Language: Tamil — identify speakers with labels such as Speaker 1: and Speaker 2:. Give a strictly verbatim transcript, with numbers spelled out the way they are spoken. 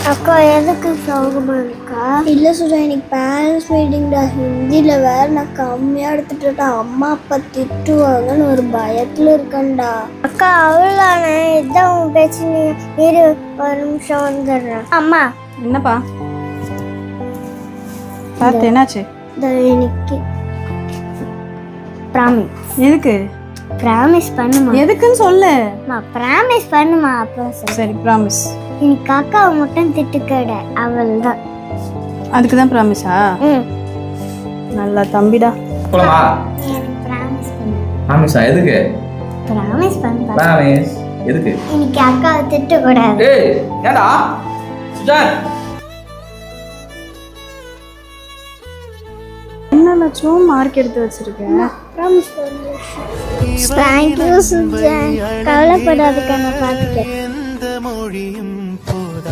Speaker 1: அக்கா எதுக்கு சோகமா இருக்கா? இல்ல சுஜா, இன்னைக்கு பேரண்ட்ஸ் மீட்டிங்டா. ஹிந்தியில வேற நான் கம்மியா எடுத்துட்டா. அம்மா அப்பா திட்டுவாங்கன்னு ஒரு பயத்துல இருக்கேன்டா. அக்கா அவ்வளோதானே, இதான் உன் பேச்சு. இரு ஒரு நிமிஷம் வந்துடுறேன். அம்மா.
Speaker 2: என்னப்பா பார்த்து என்னாச்சு?
Speaker 1: இன்னைக்கு ப்ராமிஸ்.
Speaker 2: எதுக்கு
Speaker 1: ப்ராமிஸ் பண்ணுமா?
Speaker 2: எதுக்குன்னு சொல்லு.
Speaker 1: ப்ராமிஸ் பண்ணுமா? அப்புறம்
Speaker 2: சரி ப்ராமிஸ்.
Speaker 1: இன்னைக்கு அக்காவை மட்டும் திட்டுக்கட, அவள் தான்.
Speaker 2: அதுக்கு தான் ப்ராமிஸா?
Speaker 1: ம்.
Speaker 2: நல்லா தம்பிடா.
Speaker 3: போலாமா?
Speaker 1: எனக்கு ப்ராமிஸ் பண்ணு.
Speaker 3: ப்ராமிஸா? எதுக்கு?
Speaker 1: ப்ராமிஸ் பண்ணு.
Speaker 3: ப்ராமிஸ் எதுக்கு?
Speaker 1: இன்னைக்கு அக்காவை திட்டக்கூடாது.
Speaker 3: ஏய் ஏடா சுஜான்,
Speaker 2: என்ன லட்சம் மார்க் எடுத்து வச்சிருக்கேன்?
Speaker 1: ப்ராமிஸ் பண்ணு. Thank you Sujan. கவலைப்படாதக்கா, நான் பார்த்துக்கிறேன்.